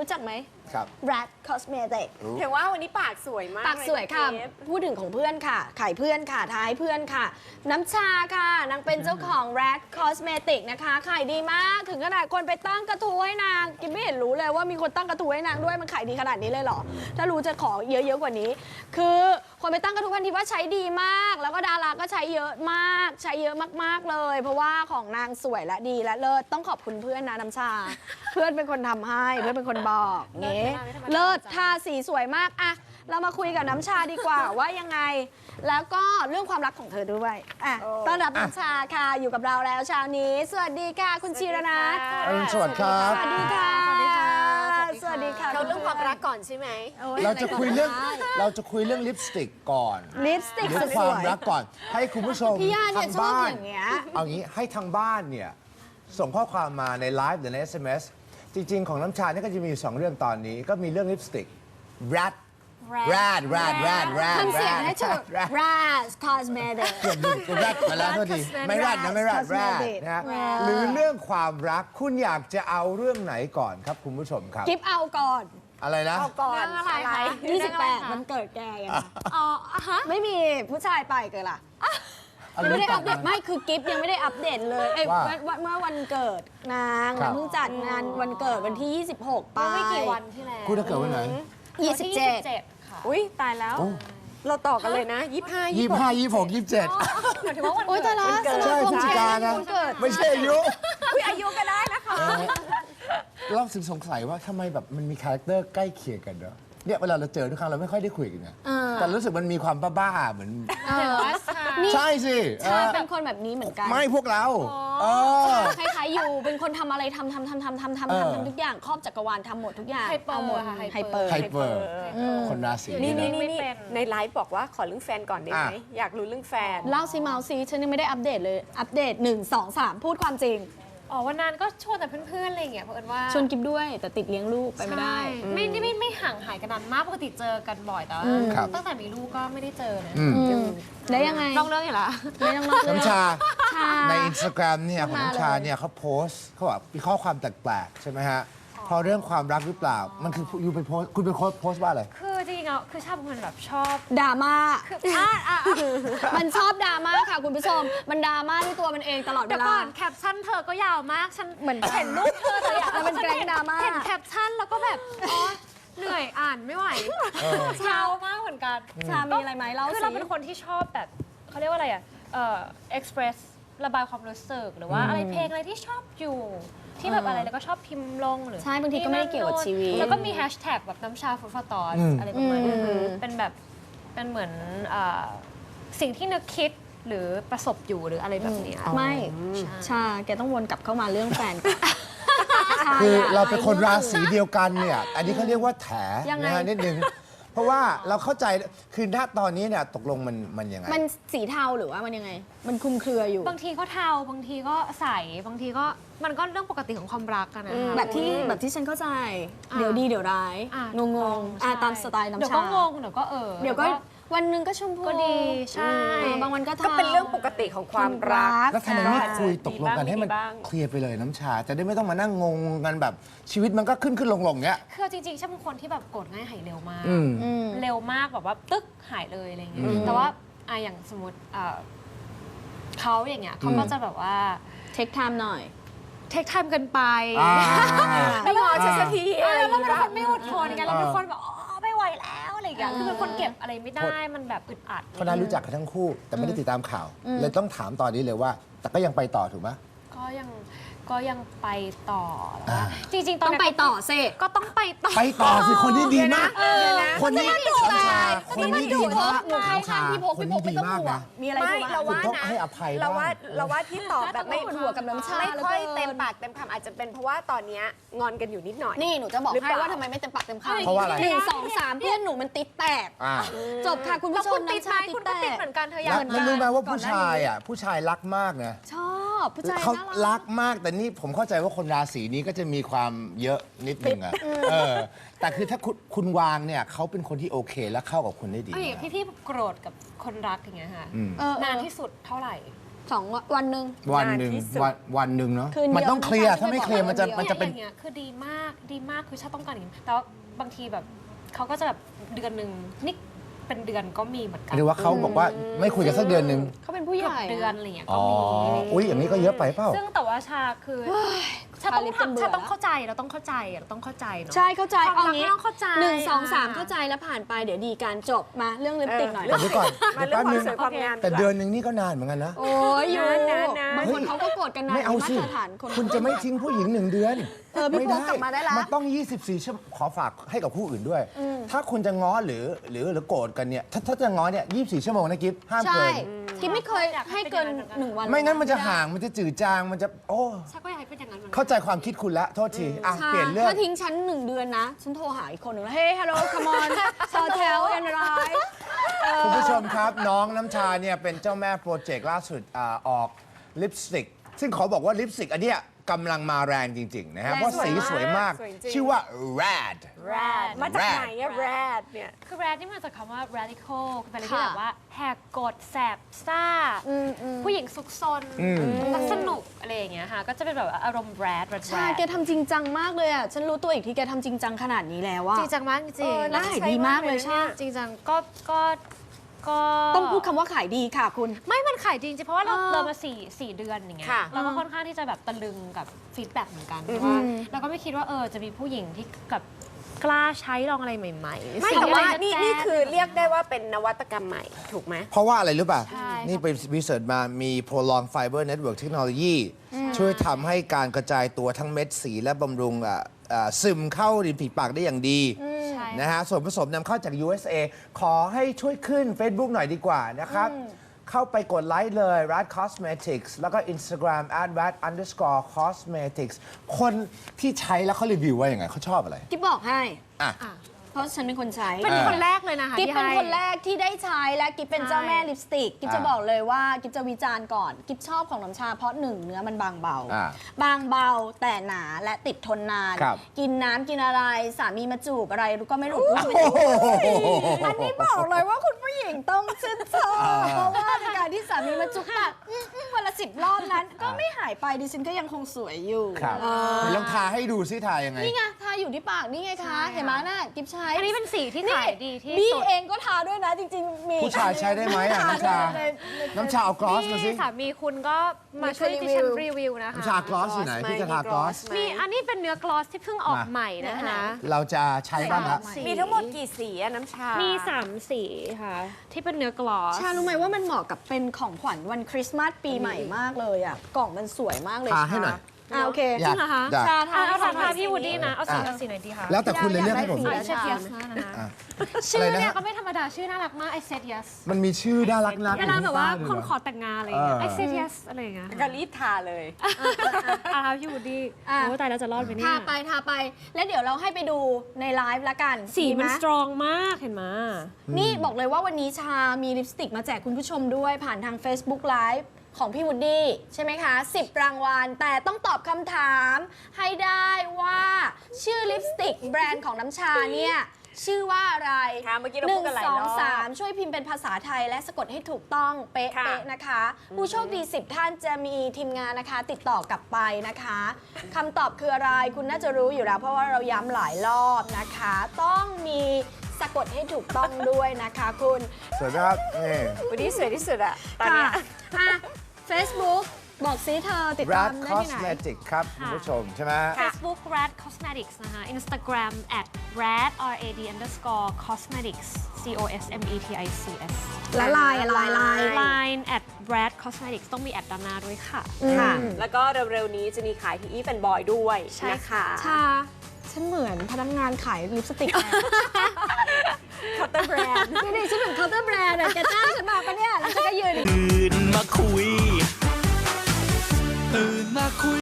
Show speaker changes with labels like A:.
A: รู้จักไหม
B: ครับ
A: Rat Cosmetic
C: เห็นว่าวันนี้ปากสวยมาก
A: ปากสวยค่ะ
C: เลย
A: พูดถึงของเพื่อนค่ะขายเพื่อนค่ะท้ายเพื่อนค่ะ น้ำชาค่ะนางเป็นเจ้าของ Rat Cosmetic นะคะขายดีมากถึงขนาดคนไปตั้งกระทู้ให้นางกินไม่เห็นรู้เลยว่ามีคนตั้งกระทู้ให้นางด้วยมันขายดีขนาดนี้เลยเหรอถ้ารู้จะขอเยอะๆกว่านี้ คือคนไปตั้งกระทู้พันทีว่าใช้ดีมาก แล้วก็ดาราก็ใช้เยอะมากใช้เยอะมากๆเลย เพราะว่าของนางสวยและดีและเลิศต้องขอบคุณเพื่อนนะน้ำชา เพื่อนเป็นคนทำให้เพื่อนเป็นคนบอกเงี้เลิศทาสีสวยมากอะเรามาคุยกับน้ำชาดีกว่า ว่ายังไง แล้วก็เรื่องความรักของเธอด้วยอ่ะต้อนรับน้ำชาค่ะอยู่กับเราแล้วเช้านี้ สวัสดีค่ะ คุณชีรนัท
B: อรุณสวัสดิ์ครับ
A: สวัสดีค่ะ
C: สวัสดีค่ะ
A: สวัสดีค่ะ
C: เราเรื่องความรักก่อนใช่ไหม
B: เราจะคุยเรื่องลิปสติกก่อน
A: ลิปสติก
B: เรื่อง
A: ส
B: ความ
A: วย
B: รักก่อน ให้คุณผู้ชม
A: พี่ย่าเนี่ย
B: ทาง
A: ชอบ
B: บ้าน
A: อย่างเงี้ย
B: เอางี้ให้ทางบ้านเนี่ยส่งข้อความมาในไลฟ์หรือใน SMS จริง ๆ ของน้ำชาเนี่ยก็จะมีอยู่2เรื่องตอนนี้ก็มีเรื่องลิปสติก Rat
A: ทำเสียงให้ถูก Rat Cosmetic
B: เกือบลืม Rat มาแล้วโทษทีไม่ Rat นะไม่ Rat นะฮะหรือเรื่องความรักคุณอยากจะเอาเรื่องไหนก่อนครับคุณผู้ชมครับ
A: กิฟเอาก่อน
B: อะไรนะ
C: เอาก่อน
A: เรื่องอะไรคะ28มันเกิดแกไง
C: อ๋อฮะ
A: ไม่มีผู้ชายไปเกิดล่ะยังไม่ได้อัปเดตไม่คือกิฟยังไม่ได้อัปเดตเลยเอ้ย
B: ว่า
A: เมื่อวันเกิดนาง
B: ครับ
A: เพิ่งจัดงานวันเกิดวันที่ 26 ไป
C: ไม่กี่วันที่แล้ว
B: คุณจะเกิดวันไหน
A: 27
C: ค่ะอุ้ยตายแล้ว
B: โอ้
C: เราต่อกันเลยนะ25
B: 25 26 27
C: หมายถึงว่าวัน
A: โอ๊ย
C: เกิ
A: แต่
C: ด
A: ละ
C: วันเกิด
B: ใช่
A: ส
B: พฤศจิกายนนะ
A: วันเกิด
B: ไม่ใช่อายุ
C: อุ้ยอายุก็ได้นะคะ
B: เราถึงสงสัยว่าทำไมแบบมันมีคาแรคเตอร์ใกล้เคียงกันเนอะเนี่ยเวลาเราเจอทุกครั้งเราไม่ค่อยได้คุยกันไงแต่รู้สึกมันมีความบ้าๆเหมือน ใช่สิ
A: ใช่เป็นคนแบบนี้เหมือนกัน
B: ไม่พวกเราเออ
A: คล้ายๆอยู่เป็นคนทำอะไรทำทุกอย่างครอบจักรวาลทำหมดทุกอย่าง
C: ไฮเปอร์
A: าหมด
C: ค่ะ
A: ไฮเปอร์
B: ไฮเปอร์คนราศี
C: นี่
B: นี้
C: นี่
B: นะ
C: นี่ในไลฟ์บอกว่าขอเรื่องแฟนก่อนได้ไหม
B: อ่ะ
C: อยากรู้เรื่องแฟน
A: เล่าซิเมาซีฉันยังไม่ได้อัปเดตเลย อัปเดต 1 2 3 พูดความจริง
D: อ๋อวันนั้นก็ชวนแต่เพื่อนๆอะไรอย่างเงี้ยเพราะเอิญว่า
A: ชวนกิฟด้วยแต่ติดเลี้ยงลูกไปไม่ได้
D: ใช่ไม่ห่างหายกันนานมากปกติเจอกันบ่อยแต่ว่า
B: ครับ
D: ตั้งแต่มีลูกก็ไม่ได้เจอนะ
A: แล้วยังไง
D: นอกเรื่องอยู่ละ
A: ไม่ต้องนอกเรื่อง
B: น้ำชา
A: ชา
B: ในอินสตาแกรมเนี่ยของน้ำชาเนี่ยเขาโพสต์เขาบอกมีข้อความแปลกๆใช่ไหมฮะเพราะเรื่องความรักหรือเปล่า มันคืออยู่ไปโพสต์คุณไปโพสต์ว่าอะไร
D: คือจริงๆอ่ะคือชอบเป็นคนแบบชอบ
A: ดราม่า
D: อ่ะ
A: มันชอบดราม่าค่ะคุณผู้ชม มันดราม่าด้วยตัวมันเองตลอดเว
D: เดี๋ยว
A: ลา
D: ก่อนแคปชั่นเธอก็ยาวมากฉัน
A: เหมือน
D: เห็นรูปเธอเลยอ่ะ
A: แล้วมันแกล้งดราม่า
D: เห็นแคปชั่นแล้วก็แบบอ๋อเหนื่อยอ่านไม่ไหวเช้ามากเหมือนกัน
A: ชามีอะไรไหมเล่า
D: คือ
A: สิ
D: เราเป็นคนที่ชอบแบบเขาเรียกว่าอะไรอ่ะexpress ระบายความรู้สึกหรือว่าอะไรเพลงอะไรที่ชอบอยู่ที่แบบอะไรแล้วก็ชอบพิมพ์ลงหรือ
A: ใช่บางทีก็ไม่ได้เกี่ยวกับชีวิต
D: แล้วก็มีแฮชแท็กแบบน้ำชาฟูดฟอร์ตอนอะไรประมาณนี้เป็นแบบเป็นเหมือนสิ่งที่นึกคิดหรือประสบอยู่หรืออะไรแบบเนี้ย
A: ไม่ชาแกต้องวนกลับเข้ามาเรื่องแฟนก่อนช
B: คือเรา
A: ยก
B: เป็นคนราศีเดียวกันเนี่ย อันนี้เขาเรียกว่าแถ
A: ยังไง
B: นะฮะนิดนึง เพราะว่าเราเข้าใจคือณตอนนี้เนี่ยตกลงมันยังไง
A: มันสีเทาหรือว่ามันยังไง มันคลุมเครืออยู่
D: บางทีก็เทาบางทีก็ใสบางทีก็มันก็เรื่องปกติของความรักกันนะ
A: แบบที่ฉันเข้าใจ เดี๋ยวดีเดี๋ยวร้าย งงๆ
D: ใช่
A: ตามสไตล์น้ำชา
D: เดี๋ยวก็งงเดี๋ยวก็
A: เดี๋ยวก็วันหนึงก็ชมพู
D: ก็ดีใช่
A: บางวันก็เทา
C: ก็เป็นเรื่องปกติของความรัก
B: แล้วทำไมไม่คุยตกลงกันให้มัน
C: มีบ้าง
B: เคลียร์ไปเลยน้ำชา จะได้ไม่ต้องมานั่งงงกันแบบชีวิตมันก็ขึ้นลงเนี้ย
D: คือจริงๆฉันเป็นคนที่แบบโกรธง่ายหายเร็วมาก
B: อืม
D: เร็วมากแบบว่าตึ๊กหายเลยอะไรเงี้ยแต่ว่าอย่างสมมติเขาอย่างเงี้ยเขาก็จะแบบว่า
A: เทคไทม์หน่อย
D: เทคไทม์กันไป
B: อ่า
C: ไม่รอฉันสักทีอะไรอ
D: เรา
C: ย่าง
D: เป็น
C: เงี้ย
D: คนไม่อดทนไงเราเป็นคนแบบอ๋อไม่ไหวแล้วอะไรอย่างเงี้ยคือเป็นคนเก็บอะไรไม่ได้มันแบบอึดอัด
B: เพราะน่ารู้จักกันทั้งคู่ แต่ไม่ได้ติดตามข่าว เลยต้องถามตอนนี้เลยว่า แต่ก็ยังไปต่อถูกไหม
D: ก็ยังไปต่อแล้ว
B: อ่า
D: จริงๆตอน
A: ต้อง
D: นั้น
A: ไปต่อสิ
D: ก็ต้องไปต่อ
B: ไปต่อสิคนนี้ดีมาก คนนี้
A: มันดุ
B: น้ำชา
A: แต่
B: คนนี้ดีมาก
A: หนูเข้าข้างพี่พก
B: คน
A: พี่พ
B: นี้
A: ก
B: ดี
A: ไม่ต้อง
B: มาก
A: ห่วง
B: นะ
A: มีอะไร
C: ไม่
A: บ้าง
C: เราว่า
B: ต้อง
C: นะ
B: ให้อภัย
C: เราว่า
B: บ้าง
C: เราว่าที่ตอบแบบไม่
A: ปวดหัวกับน้ำชา
C: ไม่ค่อย
A: หลืกิน
C: เต็มปากเต็มคำอาจจะเป็นเพราะว่าตอนเนี้ยงอนกันอยู่นิดหน่อย
A: นี่หนูจะบอก
C: หรือ
A: ให้
C: เปล่า
A: ว่าทำไมไม่เต็มปากเต็มคำ
B: เพราะว่าอะไร
A: 1 2 3 เพื่อนหนูมันติดแตก
B: อ่า
A: จบค่ะคุณ
D: แล้ว
A: ผู้ช
D: คุ
A: ม
D: ณติด
A: น้ำ
D: ไหม
A: ชาติด
D: คุณ
A: แต
D: ก็ติด
A: ก
D: เหมือนกันเธออยา
B: แล้
D: ก
B: วแล้วรู้ไหมว่าผู้ชายอ่ะผู้ชายรักมากนะ
A: ชอบผู้ชาย
B: เขา
A: น่า
B: รั
A: รั
B: กมากแต่นี่ผมเข้าใจว่าคนราศีนี้ก็จะมีความเยอะนิดนึงอะแต่คือถ้าคุณวางเนี่ยเขาเป็นคนที่โอเคและเข้ากับคุณได้ดี
D: เอาอย่างพี่โกรธกับคนรักอย่างเงี้ยค่ะ
A: เออ
D: นานที่สุดเท่าไหร่
A: วันหนึ่ง
B: วันหนึ่ง
C: นานที่สุด
B: วันหนึ่งเนาะ
A: คืนเดียว
B: มันต้องเคลียร์
A: ไม่ใช่
B: ถ้าไม่เคลียร์มันจะ
A: ไม่ใช่
B: เป็น
D: อย่างเงี้ยคือดีมากคือชาต้องการอย่างนี้แต่ว่าบางทีแบบเขาก็จะแบบเดือนหนึ่งนี่เป็นเดือนก็มีเหมือนกัน
B: หรือว่าเขาบอกว่าไม่คุยกันสักเดือนหนึ่ง
A: เขาเป็นผู้ให
D: เกือบ
A: ญ่
D: เดือนอะไรอย่างเงี้ย
B: อ๋
D: ก็
B: อ
D: มี
B: อุ้ยอย่างนี้ก็เยอะไปเปล่า
D: ซึ่งแต่ว่าชาคือชา
A: ทาลิปจนเบื่อ
D: ชาต้องเข้าใจเราต้องเข้าใจเนาะ
A: ใช่เข้าใจ
D: ความรัก
A: งี้
D: ไม่ต้องเข้าใจ
A: 1 2 3 เข้าใจแล้วผ่านไปเดี๋ยวดีการจบมาเรื่องลิปสติกหน่อย
B: แต่เดี๋ยวก่อน
C: มา
B: เดี๋ยว
C: เรื่อง
B: แป๊บ
C: ความ
B: นึง
C: สวยความงาม
B: แต่
C: ดีกว่า
B: เดือนหนึ่งนี่ก็นานเหมือนกันนะ
A: โอ้ยอยู่
C: นานๆ
A: บางคนเขาก็โกรธกันนะ
B: ไม่เอาสิ
A: มาตรฐานคน
B: คุณจะไม่ทิ้งผู้หญิง1 เดือน
A: พี่โป๊กกลับมาได้ละ
B: มันต้อง 24 ชั่วโมงขอฝากให้กับคู่อื่นด้วย ถ้าคุณจะง้อหรือโกรธกันเนี่ย ถ้าจะง้อเนี่ย 24 ชั่วโมงนะกิฟห้าม
A: ใช่
B: เกิน
A: กิ๊บไม่เคยให้เกิน1 วัน
B: ไม่งั้นมันจะห่าง มันจะจืดจาง มันจะ โอ้
D: ชาก็อยากให้เป็นอย่างนั้นเหมือนกัน
B: เข้าใจความคิดคุณละโทษที อ่ะ
A: ใช่
B: เปลี่ยนเรื่อง
A: ถ้าทิ้งฉัน1 เดือนนะ ฉันโทรหาอีกคนหนึ่งแล้วเฮ้ยฮัลโหลคัมออนซอเทลแอนไร
B: คุณผู้ชมครับ น้องน้ำชาเนี่ยเป็นเจ้าแม่โปรเจกต์ล่าสุดออกลิปสติก ซึ่งขอบอกว่าลิปสติกอันเนี้ยกำลังมาแรงจริง ๆ นะฮะ เพราะสีสวยมาก
C: สวยจริง
B: ชื่อว่า Rad
C: Rad มาจากไหนอะ Rad เนี่ย
D: คือ rad ที่มาจากคำว่า radical คือเป็นอะไรที่แบบว่าแหกกฎแสบซ่า ผู้หญิงซุกซนรักสนุกอะไรอย่างเงี้ยค่ะก็จะเป็นแบบว่าอารมณ์ rad
A: ใช่ แกทำจริงจังมากเลยอ่ะ ฉันรู้ตัวอีกที่แกทำจริงจังขนาดนี้แล้วอ่ะ
D: จริงจังมากจริง
A: แล้วขายดีมากเลยใช่
D: จริงจังก็
A: ต้องพูดคำว่าขายดีค่ะคุณ
D: ไม่มันขายจริงๆเพราะว่าเรามาสี่เดือนอย่างเงี้ย
C: ค่ะ
D: เราก็ค่อนข้างที่จะแบบตะลึงกับฟีดแบ็กเหมือนกันเพราะว่าเราก็ไม่คิดว่าจะมีผู้หญิงที่กับกล้าใช้ลองอะไรใหม่ๆ
C: ไม่
D: สิ่ง
C: แต่ว่า
D: อะไร
C: นี่
D: แจ๊ดๆ
C: นี่คือเรียกได้ว่าเป็นนวัตกรรมใหม่ถูกไหม
B: เพราะว่าอะไรรู้ป่ะ
D: ใช่
B: นี่ไปรีเสิร์ชมามี Prolong Fiber Network Technology ช่วยทำให้การกระจายตัวทั้งเม็ดสีและบำรุงซึมเข้าริมฝีปากได้อย่างดี
D: ใช่
B: นะฮะส่วนผสมนำเข้าจาก USA ขอให้ช่วยขึ้น Facebook หน่อยดีกว่านะครับ เข้าไปกดไลค์เลย Rad Cosmetics แล้วก็ Instagram @rad_cosmetics คนที่ใช้แล้วเขารีวิวว่าอย่างไงเขาชอบอะไร
A: กิ๊บบอกให้
B: อ่ะ
A: เพราะฉันเป็นคนใช้
D: เป็นคนแรกเลยนะคะ
A: กิ๊บ
D: ที่
A: เป็น
D: ให้
A: คนแรกที่ได้ใช้และกิ๊บเป็น
D: ใช่
A: เจ้าแม่ลิปสติก กิ๊บจะ
B: อ่า
A: บอกเลยว่ากิ๊บจะวิจารณ์ก่อน กิ๊บชอบของน้ำชาเพราะหนึ่งเนื้อมันบางเบา
B: อ่า
A: บางเบาแต่หนาและติดทนนาน
B: ครับ
A: กินน้ำกินอะไรสามีมาจูบอะไรก็ไม่หลุดอันนี้บอกเลยว่าคุณผู้หญิงต้องชื่นชอบเพราะว่าในการที่สามีมาจูบปากวันละ10 รอบนั้น ก็ไม่หายไปดิฉันก็ยังคงสวยอยู่
B: ครับ
A: เออ
B: ลองทาให้ดูซิทายังไง
A: นี่ไงทาอยู่ที่ปากนี่ไงคะ เห็นไหมน่ะกิ๊บใช้
D: อันนี้เป็นสีที่ขายดีที่
A: บี้
D: สุด
A: เองก็ทาด้วยนะจริงๆ มี
B: ผู้ชายใช้ได้ไหมอ่ะน้ำชา น้ำชาเอากลอสมาสิ
D: นี่สามีคุณก็มาช่วยดิฉันรีวิวนะคะ
B: น้ำชากลอสอยู่ไหนพี่จะทากลอส
D: มีอันนี้เป็นเนื้อกลอสที่เพิ่งออกใหม่นะคะ
B: เราจะใช้บ้างละ
D: สี
C: มีทั้งหมดกี่สีอะน้ำชา
D: มี
C: มี
D: 3 สีค่ะ ที่เป็นเนื้อกลอส
A: ชารู้ไหมว่ามันเหมาะกับเป็นของขวัญวันคริสต์มาสปีใหม่มากเลยอ่ะ กล่องมันสวยมากเลย
B: ทาให้หน่อย
A: โอเค
B: อยาก
D: จริงเหรอคะ
B: อยาก
A: ชาทา
D: เอา
A: ให้
D: ทาพี่วูดดี้นะ เอาสี
B: อ่ะ
D: เอาสีไหนดีคะ
B: แล้วแต่คุณเลยเลือกให้ผม
A: อยากได้
D: I
A: สี
D: said yes นะ
B: อ่ะ
D: ชื่อ
B: อะไรนะ
D: เนี่ย
B: ฮะ
D: ก็ไม่ธรรมดา ชื่อน่ารักมาก I said yes
B: มันมีชื่อน่ารักๆ
D: เวลาแบบว่า
B: อยู่
D: คน
B: ที่
D: ขอ
B: บ้
D: แต่งงานอะไรอย่างเงี้ย I
B: เออ
D: said yes อะไรอย่างเงี้ย
C: ก็รีบทาเลย
D: อ่ะพี่วูดดี้
A: อ่ะ
D: โอ้ตายแล้วจะรอดไหมเนี่ย
A: ทาไป แล้วเดี๋ยวเราให้ไปดูในไลฟ์ละกัน
D: สีมัน
A: ดีไห
D: สตรองมากเห็นไหม
A: นี่บอกเลยว่าวันนี้ชามีลิปสติกมาแจกคุณผู้ชมด้วยผ่านทาง Facebook Live ของพี่วูดดี้ใช่ไหมคะ 10 รางวัล แต่ต้องตอบคำถามให้ได้ว่าชื่อลิปสติกแบรนด์ของน้ำชาเนี่ย ชื่อว่าอะไร
C: ค่ะเมื่อกี้เราพูดกันหลายรอบ
A: 1 2 3 ช่วยพิมพ์เป็นภาษาไทยและสะกดให้ถูกต้องเป๊ะ
C: ค่ะ
A: ๆนะคะ ผู้โชคดี 10 ท่านจะมีทีมงานนะคะ ติดต่อกลับไปนะคะคำตอบคืออะไรคุณน่าจะรู้อยู่แล้ว เพราะว่าเราย้ำหลายรอบนะคะ ต้องมีสะกดให้ถูกต้องด้วยนะคะคุณ
B: สวยไหมครับนี่
C: วันนี้สวยที่สุดอะตอนเนี้ย
A: ค่ะ Facebook บอกซิเธอติดตาม
B: Rad
A: ได้ที่ไหน
B: Cosmetic ครับคุณผู้ชมใช่ไหม
D: Facebook Rad Cosmetics นะคะ Instagram @rad_cosmetics COSMETICS
A: และไลน์
D: Line @rad cosmetics ต้องมีแอดด้านหน้าด้วยค่ะ
C: ค่ะ แล้วก็เร็วๆนี้จะมีขายที่อีฟแอนบอยด้วย
D: ใช่
C: นะคะ
A: ชา ฉันเหมือนพนักงานขายลิปสติก
C: เคาน์เตอร์แบรนด์
A: นี่ฉันเหมือนเคาน์เตอร์แบรนด์อะแกจ้างฉันมาปะเนี่ย แล้วฉันก็ยืน